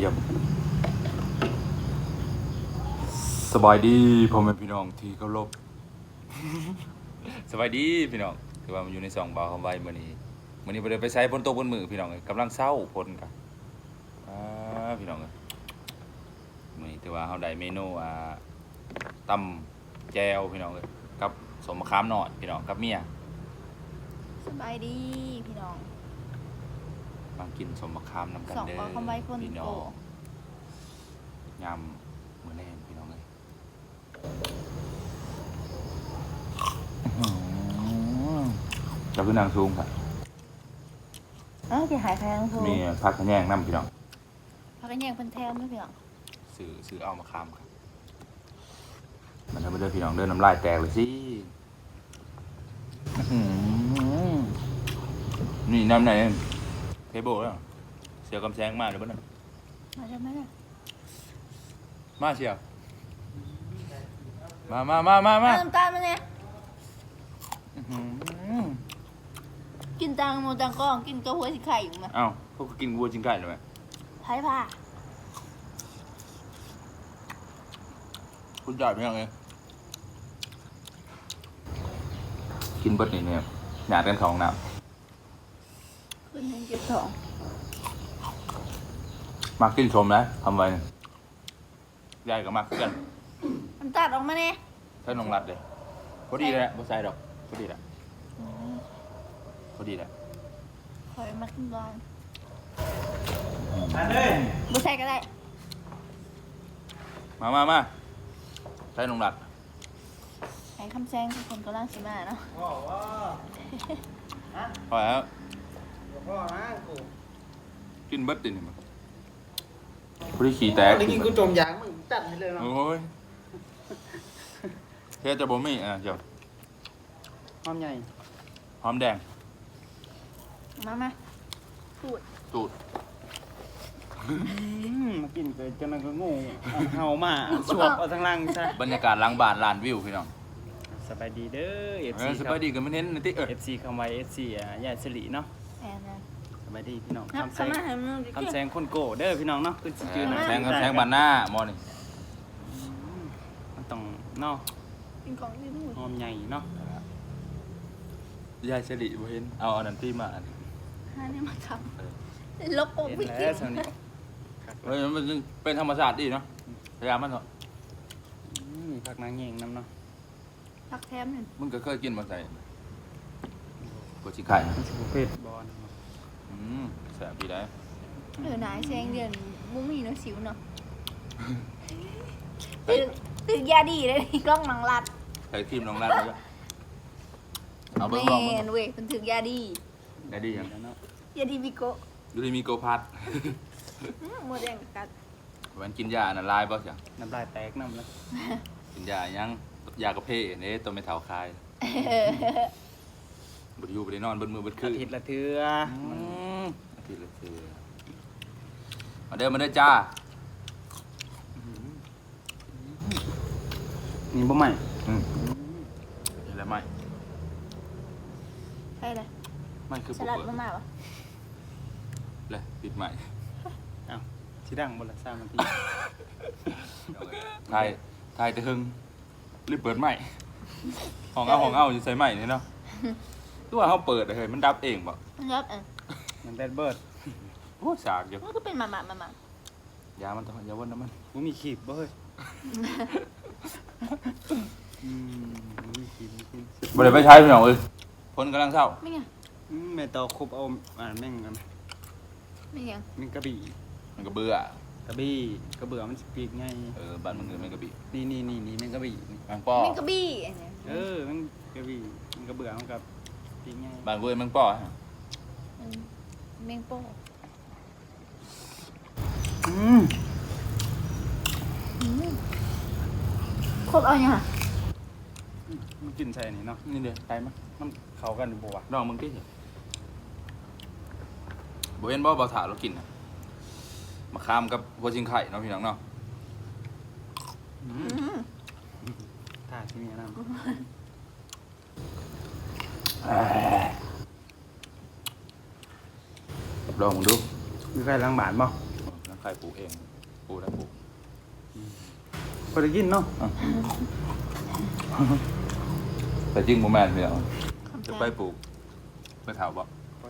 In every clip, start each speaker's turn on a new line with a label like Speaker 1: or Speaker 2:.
Speaker 1: ยี่ยมสบายดีพ่อแม่พี่น้องที่เคารพ สบายดีพี่น้องคือว่ามันอยู่ใน2 บ่าวคำไว้มื้อนี้บ่ได้ไปใช้ฝนตกบนมือพี่น้องเอ้ยกำลังเศร้าฝนกะพี่น้องเอ้ยมื้อนี้ถือว่าเฮาได้เมนูตำแจ่วพี่น้องเอ้ยกับสมมะขามน้อยพี่น้องกับเมีย
Speaker 2: สบายดีพี่น้อง
Speaker 1: มากินสมมะขามนำกัน
Speaker 2: สอง
Speaker 1: เด้อ
Speaker 2: ปอคำไว้คน
Speaker 1: พี่น้
Speaker 2: โต
Speaker 1: องยำมื้อแรงพี่น้องเอ้ยเราคือนางสูงค่ะ
Speaker 2: ที่หายแพงถูก
Speaker 1: มีผักขะแยงน้ำพี่น้อง
Speaker 2: พักกันแยงเป็นแถมไหมพี่น้อง
Speaker 1: ซื้อเอามาคามครับมันทำให้เดินพี่น้องเดินน้ำลายแตกเลยสินี่น้ำไหนเทเบิลแล้วเสียวกำแซงมากเลยบ้านั่น
Speaker 2: มาใช่ไหมเนี่ย
Speaker 1: มาเชียวมา
Speaker 2: น้ำตาลมาเนี่ยกินตังโมตังก้องกินกระหัวสิไข่อยู่มั้ย
Speaker 1: เอ้าพวกกินวัวจิงไก่เลยไหม
Speaker 2: ไผ่ผ้า
Speaker 1: คุณจ่ายไหมยังไงกินเบิดนี่เนี่ยหยาดกันของน้
Speaker 2: ขึ้นให้เก็บทอง
Speaker 1: ำมากินชมนะทำไว้ยายก็มาคือกัน
Speaker 2: น้ำตาลออกมาเนี่ย
Speaker 1: ถ้าน้องรัดเลยพอดีเลยบ่ใส่ดอกพอดีแหละพอดีแหละ
Speaker 2: คอยมากินก่อน
Speaker 3: อันเลย
Speaker 2: บุใส่ก็ได้
Speaker 1: มาใส่น้องรัด
Speaker 2: ไอ้คำแซงทุกคนกำลังสิมาเนาะ
Speaker 3: พ่อว่า
Speaker 1: พอแล้ว
Speaker 3: พ่อนะกู
Speaker 1: กินเบิดตินี่มันพอดีขี่แตก
Speaker 3: ได้กินกูจมยางมึงจัดไปเลยเนาะ
Speaker 1: โอ้ยเทจะบ่มีเดี๋ยว
Speaker 3: หอมใหญ่
Speaker 1: หอมแดง
Speaker 2: มาพูด
Speaker 1: ตูด
Speaker 3: มากินเกิดจนมันก็งูเห่ามาสวบเอาทั้งล่างซะ
Speaker 1: บรรยากาศหล้างบ้านลานวิวพี่น้อง
Speaker 3: สบายดีเด้อ FC
Speaker 1: สบายดีกันไม่เน้นนะติ
Speaker 3: FC คำไว้ FC ยายสิริเนาะ
Speaker 2: แอนนะ
Speaker 3: สบายดีพี่น้อง
Speaker 2: นับ
Speaker 3: คำแซ
Speaker 2: เข้าง มาให้มึงดิ
Speaker 3: คำแซงคนโก้เด้อพี่น้องเนาะคือสิจื้อหน่อย
Speaker 1: แซงบ้านหน้าหมอนี่
Speaker 3: มันต้องเนาะ
Speaker 2: กินของที่นู่น
Speaker 3: หอมใหญ่เนาะ
Speaker 1: ยายเฉลี่บ่เห็นเอาอันนั้นที่มาอัน
Speaker 2: หาเนี่ยมาทำลบโอ้
Speaker 3: เห็น
Speaker 2: พี่
Speaker 3: แล้วสาวนี้
Speaker 1: เฮ้ยมันเป็นธรรมชาติดีเนาะพยายามมันเถอะ
Speaker 3: มีผักนางเงงน้ำเนาะ
Speaker 2: พักแถมหนึ่ง
Speaker 1: มึงก็เคยกินมาใส่กดชิไข่
Speaker 3: มันสิบ่เผ็ดบอล
Speaker 1: แสบดีได้
Speaker 2: นายแซงเดือนมุ้งมีเนาะสิวเนาะตึกยาดีเลยกล้องมังลัด
Speaker 1: ใส่ครีมน้องรัดแล้วก็เอาเบิ้งลอง
Speaker 2: แม่นเว้ยเป็นถึงยาดี
Speaker 1: ได้ดียัง
Speaker 3: เนาะ
Speaker 2: ยาดีบิโก
Speaker 1: ดูดิมีโกพัด
Speaker 2: โมเดลกัด
Speaker 1: มันกินยาอันนั้นลายบ่จ้ะ
Speaker 3: น้ำลายแตกน้ำแล้ว
Speaker 1: กินยายังยากระเพาะเนี่ยตัวไม่เท่าคายบไดอยู่บไดนอนบนมือบนคื
Speaker 3: อาน ทิตย์ละเทื่อ
Speaker 1: อาทิตย์ละเทื่อมาเด้อจ้า
Speaker 3: นี่บ่ใหม่
Speaker 1: เห็นแล้วไหม
Speaker 2: ใช่เลย
Speaker 1: ไม่คือ
Speaker 2: ส
Speaker 1: ปุ๊บ
Speaker 2: ลัด
Speaker 1: เปิด
Speaker 2: มากๆวะ
Speaker 1: เลยปิดใหม่
Speaker 3: อ้าวสิดังบ่ละ3นาที
Speaker 1: ทายแต่หึงรีบเปิดใหม่ห้องเอาจะใส่ใหม่นี่เนาะตัวเขาเปิดเลยมันดับเองบ่
Speaker 2: ครับ
Speaker 3: มันแบดเบิร์ด
Speaker 1: โอ้สากอยู่
Speaker 2: มันก็เป็นหมา
Speaker 1: ยามันต้องยาวนน้ำมัน
Speaker 3: บ่มีขีบบ่เฮ้ยบ่มีขีบบ่มีขีบ
Speaker 1: บ่ได้ไปใช้พี่น้องเอ้ยคนกำลังเศร้า
Speaker 2: ไม่ไง
Speaker 3: แม่ตอครบเอาแม่งกัน
Speaker 2: ไม่ไง
Speaker 3: แม่งกระบี่
Speaker 1: มันก็เบื่อก
Speaker 3: ระบี่กระเบื่อมันสิปีกไง
Speaker 1: บ้านมึงเลยไม่กระบี่
Speaker 3: นี่แม่งกระบี่นี่
Speaker 1: มังป้อ
Speaker 2: แมงกะบี้
Speaker 3: แม่งกระบี่มันกระเบื่อมันกับปีกไง
Speaker 1: บ้านเว้ยมังป้อฮะ
Speaker 2: แมงโป้โคตรเอาเนี่ย
Speaker 3: มันกินใส่นี่เนาะ
Speaker 1: นี่เดี๋ยวไปมั้ย
Speaker 3: มันเข้ากันอยู่บ่วะ
Speaker 1: น้องมึงกินเหรอบ่เห็นบ่ถาเรากินน่ะมะขามกับหัวชิงไข่เนาะพี่น้องเนาะ
Speaker 3: ท่าที่นี่นะ
Speaker 1: ลองมึงดู
Speaker 3: มีใครล้างบาทบ่
Speaker 1: ใครปลูกเองปลูกได้ปลูก
Speaker 3: พอได้กินเนาะ
Speaker 1: แต่จริงโมแมนเนี่ย
Speaker 2: คำ
Speaker 1: จะ
Speaker 2: แพ
Speaker 1: ไป
Speaker 2: ง
Speaker 1: ปลูกไปถามบอก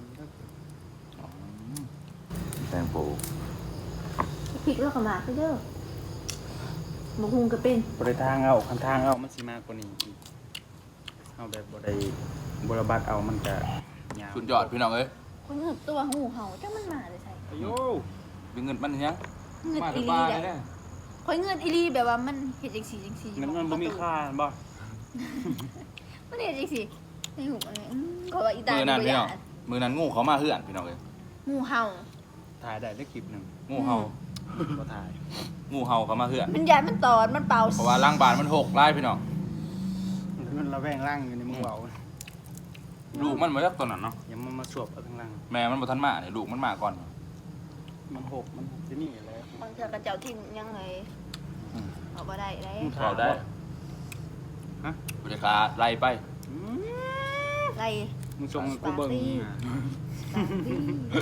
Speaker 1: แตงปลูก
Speaker 2: พริกแล้วก็หมากเด้อหมกหุงก็เป็น
Speaker 3: บ่ได้ทางเอาคันทางเอามันสิมากกว่านี้อีกเอาแบบบ่ได้บ่ระบาดเอามันก็ยาว
Speaker 1: สุดยอดพี่น้องเอ้ย
Speaker 2: คนเงือบตัวงูเห่าจ้ามันมาเลยใช่
Speaker 3: อายุ
Speaker 1: มีเงินมันเนี้ย
Speaker 2: เงือบ
Speaker 1: มา
Speaker 2: อี
Speaker 1: ส
Speaker 2: ลี
Speaker 1: บาย
Speaker 2: แหละ
Speaker 1: เนี่ย
Speaker 2: คอยเงือบอีลีแบบว่ามันเห็ดจังสีจังสี
Speaker 3: เงินมันบ่มีค่าบ่
Speaker 2: มันเห็ดจังสีในหูอันนี้ก็ว่าอีตา
Speaker 1: มือนั้น
Speaker 2: บ่
Speaker 1: พี่
Speaker 2: ยา
Speaker 1: น้องมือนั้นงูเขามาเฮือนพี่น้องเอ้ย
Speaker 2: งูเห่า
Speaker 3: ถ่ายได้ได้คลิปหนึง
Speaker 1: งูเห่า
Speaker 3: บ่ถ่าย
Speaker 1: งูเห่าเขามาเฮือน
Speaker 2: มันยานมันตอดมันเป่า
Speaker 1: เพราะว่าล่างบานมันหกไล่พี่น้อง
Speaker 3: มันระแวงร่างอยู่ในมือเว้า
Speaker 1: ลูกมันมาจากตัวนั้นเนาะ
Speaker 3: อย่ามันมาสวบเอาทั้งล่าง
Speaker 1: แม่มันบ่ทันมาเนี่ยลูกมันมาก่อน
Speaker 3: มันหกมันสินี่แหละ
Speaker 2: บางเทื่อกระเจ้าทิ่มยังไงเอาบ่ได้เลย
Speaker 1: เราได้
Speaker 3: ฮะ
Speaker 1: บริการไล่ไป
Speaker 3: อืม
Speaker 2: ไร
Speaker 3: มึงส่งให้กูเบิ่ง
Speaker 2: ปาร์ตี้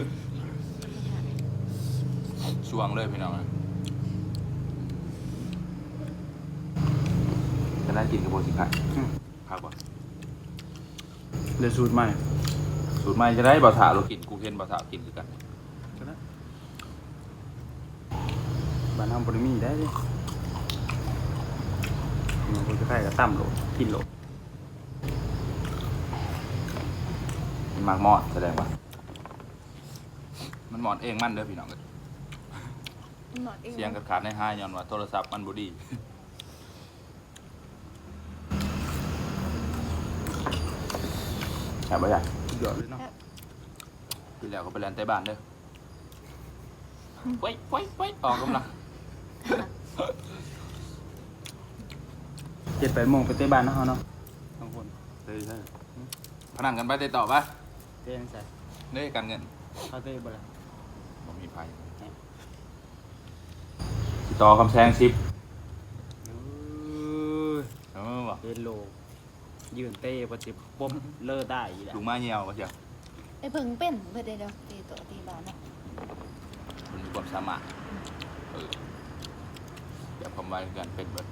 Speaker 1: ช่วงเลยพี่น้องจะได้กินกระโปรงสิไข่พักบ่
Speaker 3: เดี๋ยวสูตรใหม่
Speaker 1: สูตรใหม่จะได้บ่ถาเรากินกูเห็นบ่ถากินคือกัน
Speaker 3: ก็ได้บ้านเฮาบ่ได้มีได้เด้มันบ่จะใครก็ต่ำโลกินโล
Speaker 1: มันมากมอดแสดงว่ามันหมอดเองมันเด้อพี่น้องเอ้ย
Speaker 2: หนอนเอง
Speaker 1: เสียงขาดในห้าย้อนว่าโทรศัพท์มันบ่ดีแอบบ่อยาก
Speaker 3: สุดยอดเลยเนาะ
Speaker 1: พี่แล้วก็ไปแลนใต้บ้านเด้อไว้ไว้ไว้ออกกำลัง
Speaker 3: 7-8 โมงไปเตะบ้านเนาะเฮาเนาะบางคน
Speaker 1: เลยพนันกันไปเตะต่อปะ
Speaker 3: เตะจังไส
Speaker 1: เด้การเงิน
Speaker 3: เขาเตะบ่ล่ะ
Speaker 1: บ่มีไผสิต่อคำแซง10
Speaker 3: เอ้ย
Speaker 1: บ่
Speaker 3: เฮโลยืนเตะบ่สิปมเลอได้อีกแหละ
Speaker 1: ลุงมาเหี่ยวก็เชียว
Speaker 2: ไอ้เพิ่งเป็นเพื่อเดี๋ยวตีตัวตีบาเนาะ
Speaker 1: มันมีความสามารถเดี๋ยวผมไว้กันเป็นเบิด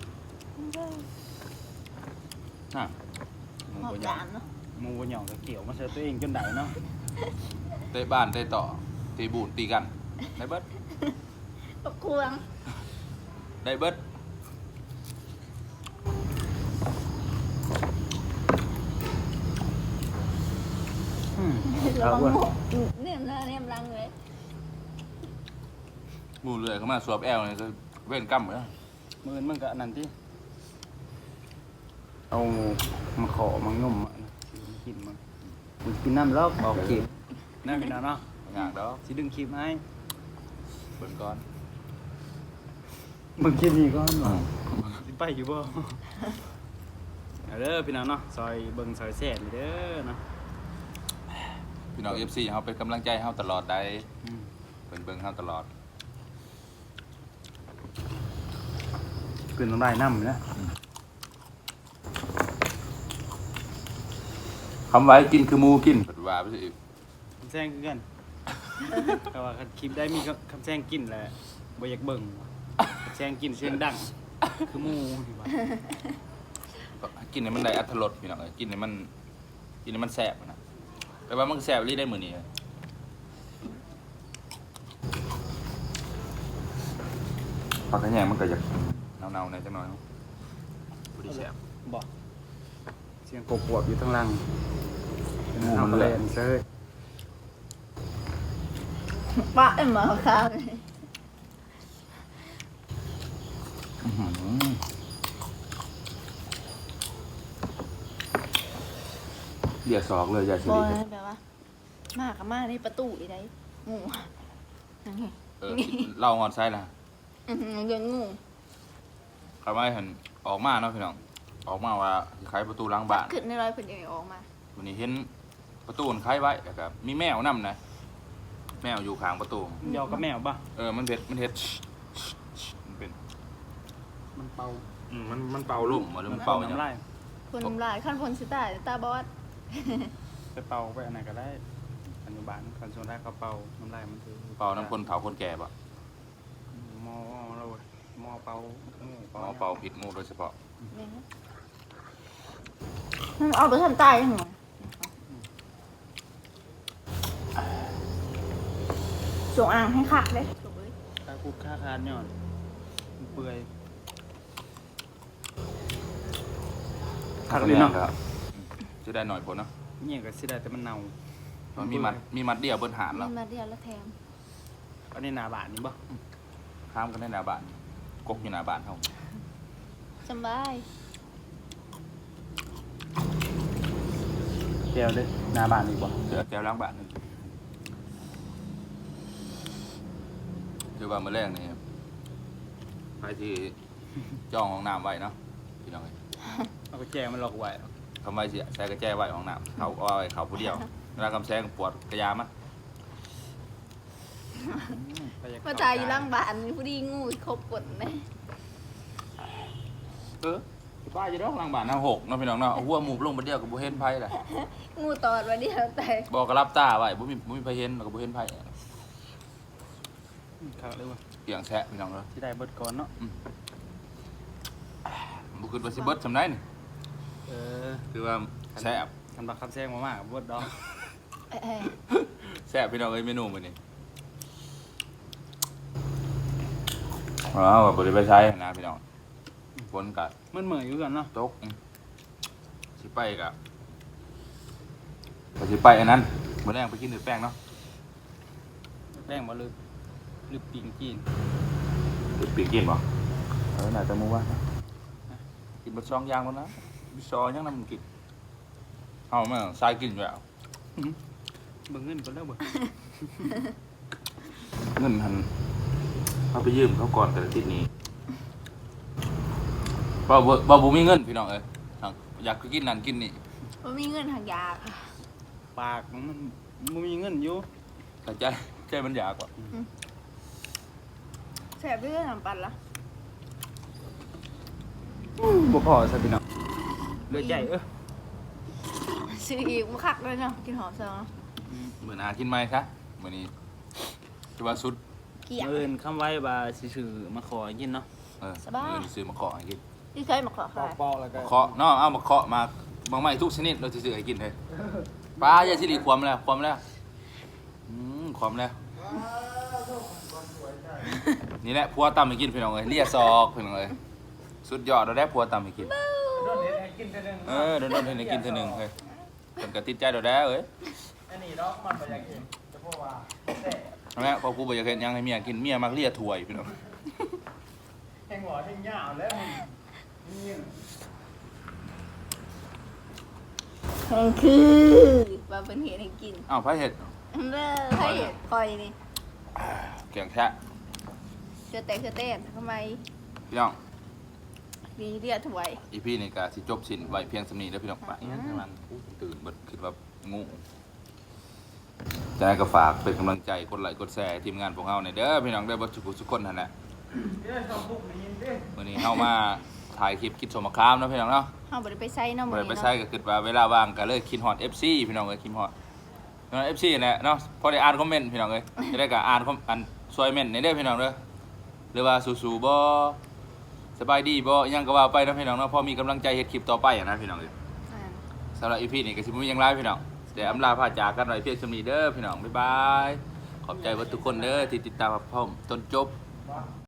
Speaker 1: อ่ะ
Speaker 3: หมู
Speaker 2: หอ
Speaker 3: บ่
Speaker 2: บ
Speaker 3: หยอ
Speaker 2: จาง นเนาะ
Speaker 3: หมูบ่หยองก็เกี่ยวมาใส่ตัวเองจนได้เนาะ
Speaker 1: เตะบ้านเตะต่อตีบูดตีกันได้เบิด
Speaker 2: ตกควง
Speaker 1: ได้เบิด
Speaker 3: อืม
Speaker 2: ระ
Speaker 3: เอา
Speaker 2: วัง
Speaker 3: เว้ย
Speaker 2: งูเนี่ยหน้าเนี่ยรังเลย
Speaker 1: หมูเลื่อยเข้ามาสวบแอลเนี่ยจะเว้นกั้มเลย
Speaker 3: มื้อมันก็อันนั้นติเอามาขอมางมอะนะสิมากินน้ำลอกออกคลิปนั่นพี่น้องเนาะ
Speaker 1: งานแล้ว
Speaker 3: สิดึงคลิปให้
Speaker 1: เบิ่งก่อน
Speaker 3: มึงคลิปนี้ก่อนว่ะสิไปอยู่บ่เอาเด้อพี่น้องเนาะซอยเบิ่งซอยแซ่บนี่เด้อเนาะ
Speaker 1: พี่น้อง FC เฮาเป็นกำลังใจให้เฮาตลอดได้
Speaker 3: อืม
Speaker 1: เบิ่งเบิ่งเฮาตลอด
Speaker 3: กลืนน้ำลายน้ำนะ
Speaker 1: คำไว้กินคือหมูกินปัดว่าไปสิอีก
Speaker 3: คำแซงคือกัน แต่ว่าคันคลิปได้มีคำแซงกินแหละบ่อยากเบิ่งคำแซงกินเสียงดัง คือหมูนี่ว่า
Speaker 1: กินให้มันได้อรรถรสพี่น้องเอ้ยกินให้มันแซ่บนะแปลว่ามันแซ่บรีได้มื้อนี้ผักกระแยงมันก็อยากเน่าๆหน่อยจังหน่อยบ่ได้แซ่บ
Speaker 3: บอกเสียงกบวบอยู่ทั้งหลัง
Speaker 1: หมูมันแหลม
Speaker 3: เซ่ย
Speaker 2: ปะไอ้หมาข้าวเลย
Speaker 1: อื้อหือเดี๋ยวสอกเลยอย่าสิ
Speaker 2: บอ
Speaker 1: ริ
Speaker 2: ยแบบว่ามากับมาในประตูอีไดงูนั่นไง
Speaker 1: เล่าฮอดไซล่ะ
Speaker 2: เดินงู
Speaker 1: คำว่าเห็นออกมาเนาะพี่น้องออกมาว่าสิขายประตูหลังบ้าน
Speaker 2: ขึ้นในรอยเพิ่นยังออกมา
Speaker 1: วันนี้เห็นประตูมันคล้ายไว้แล้วก็มีแมวนํนะแมวอยู่ข้างประตู
Speaker 3: มันเดียวกับแมวป่ะ
Speaker 1: มันเผ็ดมันมันเป็น
Speaker 3: มันเป่า
Speaker 1: มันเป่าลุ่มหรือมันเป่าอย่าง
Speaker 3: น้ำลาย
Speaker 2: คนน้ำลายขั้นพลสิตาตาบอด
Speaker 3: ไปเป่าไปอันไหนก็ได้อนุบาลคันส่วนแรกเขาเป่าน้ำลายมันคือ
Speaker 1: เป่าน้ำคนเผาคนแก่ปะ
Speaker 3: เป่า
Speaker 1: อ๋อเป่าผิดงูโดยเฉพาะ
Speaker 2: เอาไปทำตายยังไงส่งอ่างให้คักเลย
Speaker 3: ตาคุกค่าคานย้อนมันเปื่อยคักเลยเนาะ
Speaker 1: จะได้หน่อยผลเนาะ
Speaker 3: เนี่ยก็สิได้แต่มันเน่า
Speaker 1: มันมีมัดเดียวบนหานแล้ว
Speaker 2: มีมาเดียวแล้วแถม
Speaker 3: อันนี้หน้าบ้านนี่บ่
Speaker 1: ข้ามกันได้หน้าบ้านกกอยู่หน้าบ้านเขา
Speaker 2: สบาย
Speaker 3: เดียวเด้อหน้าบ้านนี่บ่
Speaker 1: เสือแก้วล้างบ้านนึงคือว่าเมื่อแรกนี่ไปที่จ้องห้องน้ำไว้เนาะพี่น้องเอ้ย
Speaker 3: เอาไปแจงมันหลอกไว้
Speaker 1: ทำไว้สิใส่กระแจไว้ห้องน้ำเขาเอาไว้เขาผู้เดียวเวลากำแซงปวดกระยามั้ย
Speaker 2: มาตายอยู่ล่างบ้านผู้ดีงูครบกดเลย
Speaker 1: ป้าจะร้องล้างบ้านน้ำหกเนาะพี่น้องเนาะหัวหมูลงมาเดียวกับบุเห็นไพ่แหละ
Speaker 2: งูตอดมาเดียวแต่
Speaker 1: บอกกระลับตาไว้บุมีไพ่เห็นแล้วก็บุเห็นไพ่
Speaker 3: คักเลยว่ะ
Speaker 1: เกี่ยงแซะพี่น้องเนาะ
Speaker 3: สิได้เบิดก่อนเนาะ
Speaker 1: บุคือว่าสิเบิดทำได้นี่
Speaker 3: เออ
Speaker 1: คือว่าแซ่บ
Speaker 3: ทำบักคำแซงมากๆเบิดดอก
Speaker 1: แซ่บพี่น้องเอ้ยเมนูมื้อนี้อ๋อว่าบ่ได้ไปใช้นะพี่น้องฝนกัด
Speaker 3: มันเหมือนอยู่กันเนาะ
Speaker 1: ตกสิไปกะก็สิไปอันนั้นมื้อแรกไปกินหรือแป้งเนาะ
Speaker 3: แป้งบ่ลืมปิงจีน
Speaker 1: หรือปีกกินบ่น่าจะมื้อว่านะกินบ่2อย่างแล้วนะมีซอยังนำกินเอาแม่งสายกินอยู่แล้ว
Speaker 3: เบิ่งเงินก่อนแล้วเบิ่ง
Speaker 1: เงินหันเอาไปยืมเขาก่อนแต่ละทีนี้บ่มีเงินพี่น้องเอ้ยอยากกินนั่นกินนี่
Speaker 2: ว่ามีเงินทางยา
Speaker 3: ปากมันบ่มีเงินอยู่
Speaker 1: แต่ใจมันอยากว่ะ
Speaker 2: แสบเรื่องน้ำปั่นละ
Speaker 3: บ่พอซะพี่น้องเหลือใจ
Speaker 2: ซื้ออีกมาคักเลยเนาะกินหอมซะ
Speaker 1: เหมือนหากินไหมคะมื้อนี้คือว่าสุด
Speaker 2: เกี่ยง
Speaker 3: เอิ้นคำไว้ว่าสิซื้อมาขอกินเนาะ
Speaker 2: สบาย
Speaker 1: มื้อนี้ซื้อมาเคาะให้กิน
Speaker 2: ที่เคยมาขอขาย
Speaker 3: ปอกแล้วก็
Speaker 1: มาเคาะเนาะเอามาเคาะมาบางไม้ทุกชนิดเราจะซื้อให้กินเลยปลาอย่าสิริความแล้วความแล้วความแล้วนี่แหละพัวตำให้กินพี่น้องเอ้ยเลียซอกพี่น้องเอ้ยสุดยอดเราได้พัวตำให้กิน
Speaker 3: โดนเฮ็ดให้กินเทื่อนึง
Speaker 1: โดนๆให้กินเทื่อหนึงเฮ้ยเพิ่นก็ติดใจเราได้เอ้ย
Speaker 3: อันนี้ดอกมันบ่อยากกินแต่เพราะว่าแซ่บ
Speaker 1: นั่นแหละพอกูบ่อยากเฮ็ดหยังให้เมียกินเมียมักเลียถ้วยพี่น้อง
Speaker 3: แห้งหัวแห้งยาวแล้วมันนี่
Speaker 2: คือว่าเป็นเหตุให้กิน
Speaker 1: อ้าวไผเฮ็ด
Speaker 2: เด้อให้คอยนี่
Speaker 1: เกี่ยงแท้
Speaker 2: เชื่อแต่ทำไม
Speaker 1: พี่น้อง
Speaker 2: มีเรียกถวย
Speaker 1: อีพีนี่ก็สิจบสิ้นไว้เพียงสำนี้แล้วพี่น้องไปงั้นกำลังตื่นเบิดคิดว่างูจะให้ก็ฝากเป็นกำลังใจกดไลค์กดแชร์ทีมงานพวกเฮาในอยเด้อพี่น้องได้อบ่ทุกคนนั่นแหละมื้อนี้เฮามาถ่ายคลิปคิดสมครามเนาะพี่น้องเนาะ
Speaker 2: เฮาบ่ได้ไปใส่เนาะ
Speaker 1: บ่
Speaker 2: มื้อ
Speaker 1: ได้
Speaker 2: นี้
Speaker 1: ไป
Speaker 2: เนาะ
Speaker 1: ใช้ก็คิดว่าเวลาว่างก็เลยคิดฮอด FC พี่น้องเอ้ยคิดฮอดพี่น้อง FC นั่นแหละเนาะพอได้อ่านคอมเมนต์พี่น้องเอ้ยจะได้ก็อ่านคอมอันช่วยเมนต์ในเด้อพี่น้องเด้อหรือว่าสู้ๆบ่สบายดีบ่อิหยังก็ว่าไปเนาะพี่น้องเนาะพอมีกำลังใจเฮ็ดคลิปต่อไปอะนะพี่น้องเอ้ย
Speaker 2: อ่า
Speaker 1: สำหรับ EP นี้ก็สิบ่มีหยังหลายพี่น้องเดี๋ยวอำลาพาจากกันไว้เพียงส่ำนี้เด้อพี่น้องบ๊ายบายขอบใจเบิดทุกคนเด้อที่ติดตามรับชมจนจบ